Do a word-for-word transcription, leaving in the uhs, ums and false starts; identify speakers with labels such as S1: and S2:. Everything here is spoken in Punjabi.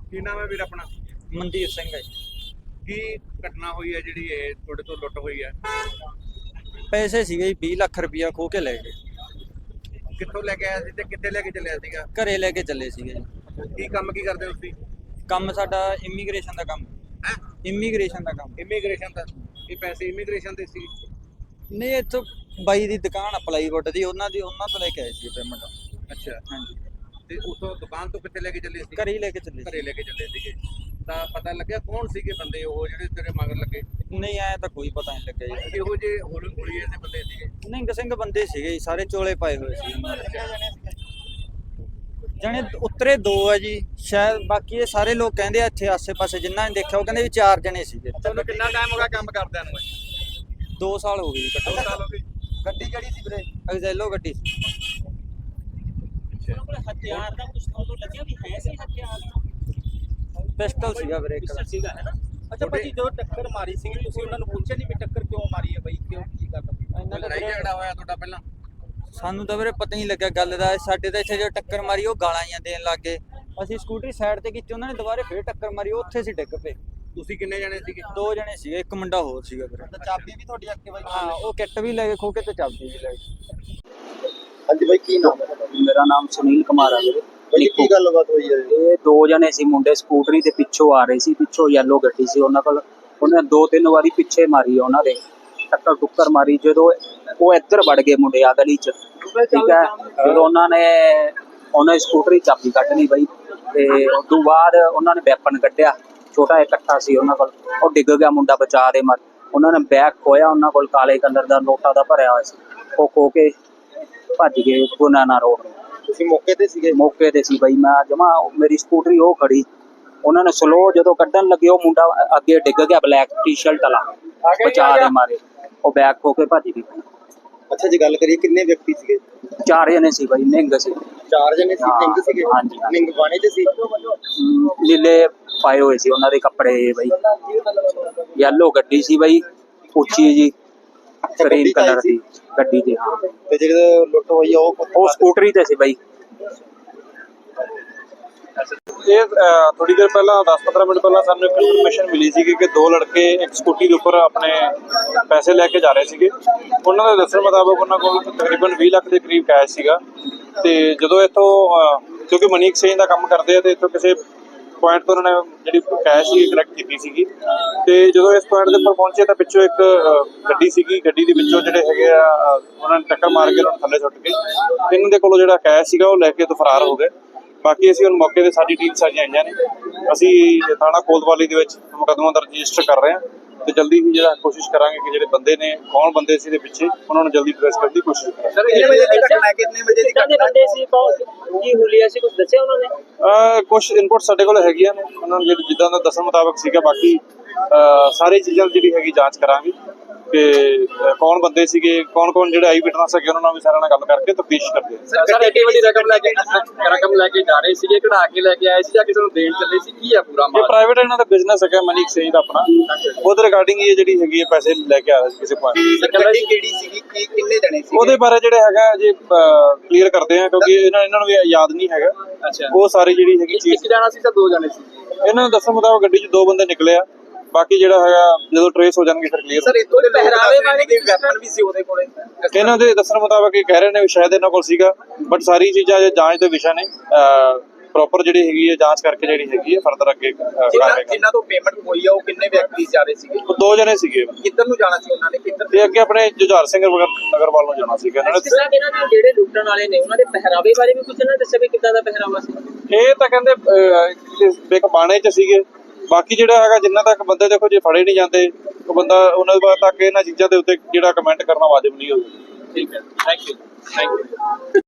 S1: ਕੀ ਨਾਮ ਹੈ ਵੀਰ ਆਪਣਾ?
S2: ਮਨਦੀਪ ਸਿੰਘ ਹੈ।
S1: ਕੀ ਘਟਨਾ ਹੋਈ ਹੈ ਜਿਹੜੀ ਇਹ ਤੁਹਾਡੇ ਤੋਂ ਲੁੱਟ ਹੋਈ ਹੈ?
S2: ਪੈਸੇ ਸੀਗੇ ਜੀ ਵੀਹ ਲੱਖ ਰੁਪਇਆ ਖੋਹ ਕੇ ਲੈ ਗਏ।
S1: ਕਿੱਥੋਂ ਲੈ ਕੇ ਆਇਆ ਸੀ ਤੇ ਕਿੱਥੇ ਲੈ ਕੇ ਚੱਲਿਆ ਸੀਗਾ?
S2: ਘਰੇ ਲੈ ਕੇ ਚੱਲੇ ਸੀਗੇ ਜੀ।
S1: ਕੀ ਕੰਮ ਕੀ ਕਰਦੇ ਹੋ ਤੁਸੀਂ?
S2: ਕੰਮ ਸਾਡਾ ਇਮੀਗ੍ਰੇਸ਼ਨ ਦਾ ਕੰਮ।
S1: ਹੈ
S2: ਇਮੀਗ੍ਰੇਸ਼ਨ ਦਾ ਕੰਮ।
S1: ਇਮੀਗ੍ਰੇਸ਼ਨ ਦਾ? ਇਹ ਪੈਸੇ ਇਮੀਗ੍ਰੇਸ਼ਨ ਦੇ ਸੀ?
S2: ਨਹੀਂ, ਇੱਥੋਂ ਬਾਈ ਦੀ ਦੁਕਾਨ ਆ ਪਲਾਈਵੁੱਡ ਦੀ, ਉਹਨਾਂ ਦੀ ਉਹਨਾਂ ਤੋਂ ਲੈ ਕੇ ਆਏ ਸੀ ਪੇਮੈਂਟ।
S1: ਅੱਛਾ,
S2: ਹਾਂਜੀ।
S1: ਤੇ ਉਥੋਂ ਦੁਕਾਨ ਤੋਂ ਕਿੱਥੇ ਲੈ ਕੇ ਚੱਲੇ ਸੀ?
S2: ਘਰੇ ਹੀ ਲੈ ਕੇ ਚੱਲੇ
S1: ਘਰੇ ਲੈ ਕੇ ਚੱਲੇ ਸੀਗੇ। ਤਾਂ ਪਤਾ ਲੱਗਿਆ ਕੌਣ ਸੀਗੇ ਬੰਦੇ ਉਹ ਜਿਹੜੇ ਤੇਰੇ ਮਗਰ ਲੱਗੇ?
S2: ਸੀ। ਨਹੀਂ, ਆਇਆ ਤਾਂ ਕੋਈ ਪਤਾ ਨਹੀਂ ਲੱਗਿਆ ਜੀ।
S1: ਇਹੋ ਜਿਹੇ ਹੋਲ ਹੋਲੀਏ ਦੇ ਬੰਦੇ ਸੀਗੇ?
S2: ਨਿੰਗ ਸਿੰਘ ਬੰਦੇ ਸੀਗੇ ਜੀ, ਸਾਰੇ ਚੋਲੇ ਪਾਏ ਹੋਏ ਸੀ। ਜਣੇ ਉਤਰੇ ਦੋ ਆ ਜੀ ਸ਼ਾਇਦ, ਬਾਕੀ ਇਹ ਸਾਰੇ ਲੋਕ ਕਹਿੰਦੇ ਆ ਇੱਥੇ ਆਸੇ-ਪਾਸੇ ਜਿੰਨਾ ਨੇ ਦੇਖਿਆ ਉਹ ਕਹਿੰਦੇ ਵੀ ਚਾਰ ਜਣੇ ਸੀਗੇ।
S1: ਤੁਹਾਨੂੰ ਕਿੰਨਾ ਟਾਈਮ ਹੋ ਗਿਆ ਕੰਮ ਕਰਦਿਆਂ ਨੂੰ?
S2: ਦੋ ਸਾਲ ਹੋ ਗਏ ਜੀ ਘੱਟੋ
S1: ਦੋ ਸਾਲ ਹੋ ਗਏ।
S2: ਗੱਡੀ ਕਿਹੜੀ ਸੀ ਵੀਰੇ? ਐਗਜ਼ੈਲੋ ਗੱਡੀ ਸੀ।
S3: ਹਥਿਆਰ ਦਾ ਕੁਝ ਤੁਹਾਨੂੰ ਲੱਗਿਆ ਵੀ ਹੈ ਸੀ ਹਥਿਆਰ?
S2: ਪਿਸਟਲ ਸੀਗਾ ਵੀਰੇ ਇੱਕ।
S3: ਪਿਸਟਲ ਸੀਗਾ ਹੈ ਨਾ? ਅੱਛਾ ਭਾਜੀ, ਜੋ ਟੱਕਰ ਮਾਰੀ ਸੀ ਤੁਸੀਂ ਉਹਨਾਂ ਨੂੰ ਪੁੱਛਿਆ ਨਹੀਂ ਵੀ ਟੱਕਰ ਕਿਉਂ ਮਾਰੀ ਹੈ ਬਾਈ, ਕਿਉਂ ਕੀ ਗੱਲ?
S2: ਇਹਨਾਂ ਦਾ
S1: ਲੜਾਈ
S2: ਵੀਰੇ
S1: ਝਗੜਾ ਹੋਇਆ ਤੁਹਾਡਾ ਪਹਿਲਾਂ?
S2: ਸਾਨੂੰ ਤਾਂ ਵੀਰੇ ਪਤਾ ਨਹੀਂ ਲੱਗਿਆ ਗੱਲ ਦਾ। ਸਾਡੇ ਤਾਂ ਇੱਥੇ ਜੋ ਟੱਕਰ ਮਾਰੀ ਉਹ ਗਾਲਾਂ ਜਾਂ ਦੇਣ ਲੱਗ ਗਏ। ਅਸੀਂ ਸਕੂਟਰੀ ਸਾਈਡ ਤੇ ਕੀਤੀ, ਉਹਨਾਂ ਨੇ ਦੁਬਾਰੇ ਫੇਰ ਟੱਕਰ ਮਾਰੀ, ਉਹ ਉੱਥੇ ਸੀ ਡਿੱਗ ਪਏ।
S1: ਤੁਸੀਂ ਕਿੰਨੇ ਜਣੇ ਸੀਗੇ?
S2: ਦੋ ਜਣੇ ਸੀਗੇ, ਇੱਕ ਮੁੰਡਾ ਹੋਰ ਸੀਗਾ ਵੀਰੇ।
S3: ਚਾਬੀ ਵੀ ਤੁਹਾਡੀ ਐਕਟਿਵਾ ਦੀ?
S2: ਹਾਂ, ਉਹ ਕਿੱਟ ਵੀ ਲੈ ਕੇ ਖੋ ਕੇ ਤੇ ਚਾਬੀ ਵੀ ਲੈ ਗਏ।
S3: ਹਾਂਜੀ ਬਾਈ, ਕੀ ਨਾਮ ਹੈ?
S4: ਮੇਰਾ ਨਾਮ ਸੁਨੀਲ ਕੁਮਾਰ ਹੈ ਵੀਰੇ।
S3: ਬਾਈ ਕੀ ਗੱਲਬਾਤ ਹੋਈ ਹੈ?
S4: ਇਹ ਦੋ ਜਣੇ ਸੀ ਮੁੰਡੇ, ਸਕੂਟਰੀ ਤੇ ਪਿੱਛੋਂ ਆ ਰਹੇ ਸੀ, ਪਿੱਛੋਂ ਯੈਲੋ ਗੱਡੀ ਸੀ ਉਹਨਾਂ ਕੋਲ। ਉਹਨੇ ਦੋ ਤਿੰਨ ਵਾਰੀ ਪਿੱਛੇ ਮਾਰੀ ਉਹਨਾਂ ਦੇ, ਟੱਕਰ ਟੁੱਕਰ ਮਾਰੀ। ਜਦੋਂ ਉਹ ਇੱਧਰ ਵੜ ਗਏ ਮੁੰਡੇ ਆ ਗਲੀ ਚ, ਠੀਕ ਹੈ, ਜਦੋਂ ਉਹਨਾਂ ਨੇ ਉਹਨਾਂ ਦੀ ਸਕੂਟਰੀ ਚਾਬੀ ਕੱਢ ਲਈ ਬਈ, ਤੇ ਉਸ ਤੋਂ ਬਾਅਦ ਉਹਨਾਂ ਨੇ ਵੈਪਨ ਕੱਢਿਆ, ਛੋਟਾ ਇਕੱਠਾ ਸੀ ਉਹਨਾਂ ਕੋਲ, ਉਹ ਡਿੱਗ ਗਿਆ ਮੁੰਡਾ ਬਚਾ ਦੇ ਮਰ। ਉਹਨਾਂ ਨੇ ਬੈਗ ਖੋਇਆ, ਉਹਨਾਂ ਕੋਲ ਕਾਲੇ ਕਲਰ ਦਾ ਨੋਟਾਂ ਦਾ ਭਰਿਆ ਹੋਇਆ ਸੀ, ਉਹ ਖੋ ਕੇ ਭੱਜ ਗਏ ਗੁਨਾਨਾ ਰੋਡ।
S3: ਤੁਸੀਂ ਮੌਕੇ ਤੇ ਸੀਗੇ?
S4: ਮੌਕੇ ਤੇ ਸੀ ਬਈ ਮੈਂ ਜਮਾ, ਮੇਰੀ ਸਕੂਟਰੀ ਉਹ ਖੜੀ, ਉਹਨਾਂ ਨੇ ਸਲੋ ਜਦੋਂ ਕੱਢਣ ਲੱਗੇ ਉਹ ਮੁੰਡਾ ਅੱਗੇ ਡਿੱਗ ਗਿਆ, ਬਲੈਕ ਟੀ-ਸ਼ਰਟ ਵਾਲਾ, ਬਚਾ ਦੇ ਮਾਰੇ, ਉਹ ਬੈਗ ਖੋ ਕੇ ਭੱਜ ਗਈ।
S3: ਅੱਛਾ, ਜੇ ਗੱਲ ਕਰੀਏ ਕਿੰਨੇ ਵਿਅਕਤੀ ਸੀਗੇ?
S4: ਚਾਰ ਜਣੇ ਸੀ ਬਈ, ਨਿੰਗ ਸੀ।
S3: ਚਾਰ ਜਣੇ ਸੀ?
S4: ਹਾਂ,
S3: ਨਿੰਗ ਸੀਗੇ?
S4: ਹਾਂਜੀ।
S3: ਨਿੰਗ ਬਾਣੇ ਤੇ ਸੀ?
S4: ਅਮ, ਨੀਲੇ ਪਾਏ ਹੋਏ ਸੀ ਉਹਨਾਂ ਦੇ ਕੱਪੜੇ ਬਈ। ਯੈਲੋ ਗੱਡੀ ਸੀ ਬਈ, ਉੱਚੀ ਜੀ, ਗ੍ਰੀਨ ਕਲਰ ਦੀ ਗੱਡੀ ਦੀ। ਹਾਂ,
S3: ਤੇ ਜਿਹੜੇ ਲੁੱਟ ਹੋਈ ਆ ਉਹ
S4: ਉਹ ਸਕੂਟਰੀ ਤੇ ਸੀ ਬਈ।
S5: ਇਹ ਥੋੜੀ ਦੇਰ ਪਹਿਲਾਂ ਦਸ ਪੰਦਰਾਂ ਮਿੰਟ ਪਹਿਲਾਂ ਸਾਨੂੰ ਇੱਕ ਇਨਫੋਰਮੇਸ਼ਨ ਮਿਲੀ ਸੀ ਕਿ ਦੋ ਲੜਕੇ ਇੱਕ ਸਕੂਟੀ ਦੇ ਉੱਪਰ ਆਪਣੇ ਪੈਸੇ ਲੈ ਕੇ ਜਾ ਰਹੇ ਸੀਗੇ। ਉਹਨਾਂ ਦੇ ਦੱਸਣ ਮੁਤਾਬਕ ਉਹਨਾਂ ਕੋਲ ਤਕਰੀਬਨ ਵੀਹ ਲੱਖ ਦੇ ਕਰੀਬ ਕੈਸ਼ ਸੀਗਾ। ਤੇ ਜਦੋਂ ਇੱਥੋਂ ਕਿਉਂਕਿ ਮਨੀ ਐਕਸਚੇਂਜ ਦਾ ਕੰਮ ਕਰਦੇ ਆ, ਤੇ ਇੱਥੋਂ ਕਿਸੇ ਪੁਆਇੰਟ ਤੋਂ ਉਹਨਾਂ ਨੇ ਜਿਹੜੀ ਕੈਸ਼ ਸੀ ਕਲੈਕਟ ਕੀਤੀ ਸੀਗੀ। ਤੇ ਜਦੋਂ ਇਸ ਪੁਆਇੰਟ ਦੇ ਉੱਪਰ ਪਹੁੰਚੇ ਤਾਂ ਪਿੱਛੋਂ ਇੱਕ ਗੱਡੀ ਸੀਗੀ, ਗੱਡੀ ਦੇ ਵਿੱਚੋਂ ਜਿਹੜੇ ਹੈਗੇ ਆ ਉਹਨਾਂ ਨੇ ਟੱਕਰ ਮਾਰ ਕੇ ਉਹਨਾਂ ਨੂੰ ਥੱਲੇ ਸੁੱਟ ਕੇ ਇਹਨਾਂ ਦੇ ਕੋਲੋਂ ਜਿਹੜਾ ਕੈਸ਼ ਸੀਗਾ ਉਹ ਲੈ ਕੇ ਤੋਂ ਫਰਾਰ ਹੋ ਗਏ। ਬਾਕੀ ਅਸੀਂ ਹੁਣ ਮੌਕੇ ਤੇ ਸਾਡੀ ਟੀਮ ਸਾਰੀਆਂ ਆਈਆਂ ਨੇ, ਅਸੀਂ ਥਾਣਾ ਕੋਤਵਾਲੀ ਦੇ ਵਿੱਚ ਮੁਕੱਦਮਾ ਦਰਜ ਰਜਿਸਟਰ ਕਰ ਰਹੇ ਹਾਂ, ਤੇ ਜਲਦੀ ਹੀ ਜਿਹੜਾ ਕੋਸ਼ਿਸ਼ ਕਰਾਂਗੇ ਕਿ ਜਿਹੜੇ ਬੰਦੇ ਨੇ, ਕੌਣ ਬੰਦੇ ਸੀ ਦੇ ਪਿੱਛੇ, ਉਹਨਾਂ ਨੂੰ ਜਲਦੀ ਟ੍ਰੇਸ ਕਰਨ ਦੀ ਕੋਸ਼ਿਸ਼ ਕਰਾਂਗੇ।
S3: ਸਰ ਕਿੰਨੇ ਵਜੇ ਦੀ ਘਟਨਾ ਹੈ? ਕਿੰਨੇ ਵਜੇ ਦੀ ਘਟਨਾ
S4: ਬੰਦੇ ਸੀ, ਕੀ ਹੁਲੀਆ ਸੀ, ਕੁਝ ਦੱਸਿਆ ਉਹਨਾਂ ਨੇ?
S5: ਕੁਝ ਇਨਪੁਟ ਸਾਡੇ ਕੋਲ ਹੈਗੀਆਂ ਨੇ, ਉਹਨਾਂ ਨੂੰ ਜਿਹੜੀ ਜਿੱਦਾਂ ਦਾ ਦੱਸਣ ਮੁਤਾਬਕ ਸੀਗਾ। ਬਾਕੀ ਸਾਰੀ ਚੀਜ਼ਾਂ ਜਿਹੜੀ ਹੈਗੀ ਜਾਂਚ ਕਰਾਂਗੇ ਕਿ ਕੌਣ ਬੰਦੇ ਸੀਗੇ, ਕੌਣ ਕੌਣ ਜਿਹੜੇ ਆਈ ਵਿਟਨੈਸ ਹੈਗੇ, ਉਹਨਾਂ ਨਾਲ ਵੀ ਸਾਰਿਆਂ ਨਾਲ ਗੱਲ ਕਰਕੇ ਤਫਤੀਸ਼ ਕਰਦੇ ਹਾਂ।
S3: ਸਰ ਐਡੀ ਵੱਡੀ ਰਕਮ ਲੈ ਕੇ ਰਕਮ ਲੈ ਕੇ ਜਾ ਰਹੇ ਸੀਗੇ, ਕਢਾ ਕੇ ਲੈ ਕੇ ਆਏ ਸੀ ਜਾਂ ਕਿਸੇ ਨੂੰ ਦੇਣ ਚੱਲੇ ਸੀ? ਕੀ ਆ ਪੂਰਾ
S5: ਇਹ ਪ੍ਰਾਈਵੇਟ ਇਹਨਾਂ ਦਾ ਬਿਜ਼ਨਸ ਹੈਗਾ, ਮਨੀ ਐਕਸਚੇਂਜ ਦਾ ਆਪਣਾ, ਉਹਦੇ ਰਿਗਾਰਡਿੰਗ ਇਹ ਜਿਹੜੀ ਹੈਗੀ ਹੈ ਪੈਸੇ ਲੈ ਕੇ ਆ ਰਹੇ ਸੀ ਕਿਸੇ ਪੁਆਇੰਟ।
S3: ਸਰ ਗੱਡੀ ਕਿਹੜੀ ਸੀਗੀ, ਕੀ ਕਿੰਨੇ ਜਣੇ ਸੀ?
S5: ਉਹਦੇ ਬਾਰੇ ਜਿਹੜਾ ਹੈਗਾ ਜੇ ਕਲੀਅਰ ਕਰਦੇ ਆ, ਕਿਉਂਕਿ ਇਹਨਾਂ ਇਹਨਾਂ ਨੂੰ ਵੀ ਯਾਦ ਨਹੀਂ ਹੈਗਾ।
S3: ਅੱਛਾ,
S5: ਉਹ ਸਾਰੀ ਜਿਹੜੀ ਹੈਗੀ ਚੀਜ਼,
S3: ਇੱਕ ਜਣਾ ਸੀ ਤਾਂ ਦੋ ਜਣੇ ਸੀ?
S5: ਇਹਨਾਂ ਨੂੰ ਦੱਸਣ ਮੁਤਾਬਕ ਗੱਡੀ 'ਚ ਦੋ ਬੰਦੇ ਨਿਕਲੇ ਆ। ਬਾਕੀ ਜਿਹੜਾ ਹੈਗਾ ਜਦੋਂ ਟ੍ਰੇਸ ਹੋ ਜਾਣਗੇ ਫਿਰ ਕਲੀਅਰ।
S3: ਸਰ ਇੱਥੋਂ ਦੇ ਪਹਿਰਾਵੇ ਵਾਲੇ ਦੇ ਵੈਪਨ ਵੀ ਸੀ ਉਹਦੇ ਕੋਲੇ?
S5: ਇਹਨਾਂ ਦੇ ਦੱਸਣ ਮੁਤਾਬਕ ਇਹ ਕਹਿ ਰਹੇ ਨੇ ਵੀ ਸ਼ਾਇਦ ਇਹਨਾਂ ਕੋਲ ਸੀਗਾ, ਬਟ ਸਾਰੀ ਚੀਜ਼ਾਂ ਜੇ ਜਾਂਚ ਦੇ ਵਿਸ਼ਾ ਨੇ, ਪ੍ਰੋਪਰ ਜਿਹੜੀ ਹੈਗੀ ਹੈ ਜਾਂਚ ਕਰਕੇ ਜਿਹੜੀ ਹੈਗੀ ਹੈ ਫਰਦਰ ਅੱਗੇ ਕਾਰਵਾਈ।
S3: ਜਿਨ੍ਹਾਂ ਤੋਂ ਪੇਮੈਂਟ ਹੋਈ ਆ ਉਹ ਕਿੰਨੇ ਵਿਅਕਤੀ ਜਾ ਰਹੇ ਸੀਗੇ?
S5: ਉਹ ਦੋ ਜਣੇ ਸੀਗੇ।
S3: ਕਿੱਧਰ ਨੂੰ ਜਾਣਾ ਸੀ ਉਹਨਾਂ ਨੇ? ਕਿੱਧਰ?
S5: ਤੇ ਅੱਗੇ ਆਪਣੇ ਜੁਝਾਰ ਸਿੰਘ ਨਗਰ ਵੱਲ ਨੂੰ ਜਾਣਾ ਸੀਗਾ ਇਹਨਾਂ ਨੇ।
S4: ਇਹਨਾਂ ਦੇ ਜਿਹੜੇ ਲੁੱਟਣ ਵਾਲੇ ਨੇ ਉਹਨਾਂ ਦੇ ਪਹਿਰਾਵੇ ਬਾਰੇ ਵੀ ਕੁਝ ਨਾ ਦੱਸਿਆ ਵੀ ਕਿੱਦਾਂ ਦਾ ਪਹਿਰਾਵਾ ਸੀ?
S5: ਇਹ ਤਾਂ ਕਹਿੰਦੇ ਇੱਕ ਬਾਣੇ 'ਚ ਸੀਗੇ। ਬਾਕੀ ਜਿਹੜਾ ਹੈਗਾ ਜਿੰਨਾ ਤੱਕ ਬੰਦੇ ਦੇਖੋ ਜੇ ਫੜੇ ਨਹੀਂ ਜਾਂਦੇ ਉਹ ਬੰਦਾ ਉਹਨਾਂ ਦੇ ਬਾਅਦ ਤੱਕ ਇਹਨਾਂ ਚੀਜ਼ਾਂ ਦੇ ਉੱਤੇ ਜਿਹੜਾ ਕਮੈਂਟ ਕਰਨਾ ਵਾਜਬ ਨਹੀਂ ਹੋਊਗਾ।
S3: ਠੀਕ ਹੈ, ਥੈਂਕ ਯੂ, ਥੈਂਕ ਯੂ।